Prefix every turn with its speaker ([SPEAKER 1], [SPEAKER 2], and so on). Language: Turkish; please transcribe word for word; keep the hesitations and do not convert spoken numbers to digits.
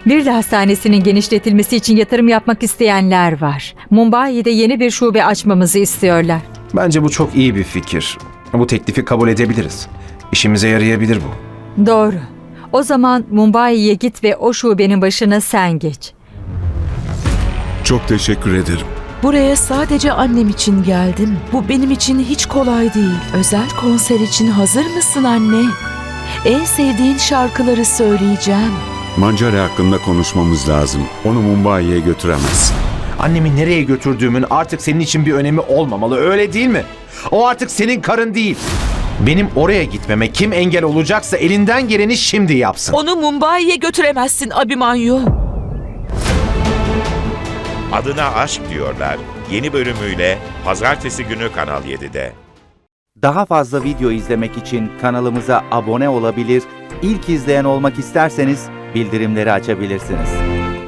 [SPEAKER 1] Bir de hastanesinin genişletilmesi için yatırım yapmak isteyenler var. Mumbai'de yeni bir şube açmamızı istiyorlar.
[SPEAKER 2] Bence bu çok iyi bir fikir. Bu teklifi kabul edebiliriz. İşimize yarayabilir bu.
[SPEAKER 1] Doğru. O zaman Mumbai'ye git ve o şubenin başına sen geç.
[SPEAKER 3] Çok teşekkür ederim.
[SPEAKER 4] Buraya sadece annem için geldim. Bu benim için hiç kolay değil. Özel konser için hazır mısın anne? En sevdiğin şarkıları söyleyeceğim.
[SPEAKER 3] Mancare hakkında konuşmamız lazım. Onu Mumbai'ye götüremezsin.
[SPEAKER 2] Annemi nereye götürdüğümün artık senin için bir önemi olmamalı, öyle değil mi? O artık senin karın değil. Benim oraya gitmeme kim engel olacaksa elinden geleni şimdi yapsın.
[SPEAKER 4] Onu Mumbai'ye götüremezsin Abhimanyu.
[SPEAKER 5] Adına Aşk Diyorlar yeni bölümüyle Pazartesi günü Kanal yedide.
[SPEAKER 6] Daha fazla video izlemek için kanalımıza abone olabilir, ilk izleyen olmak isterseniz bildirimleri açabilirsiniz.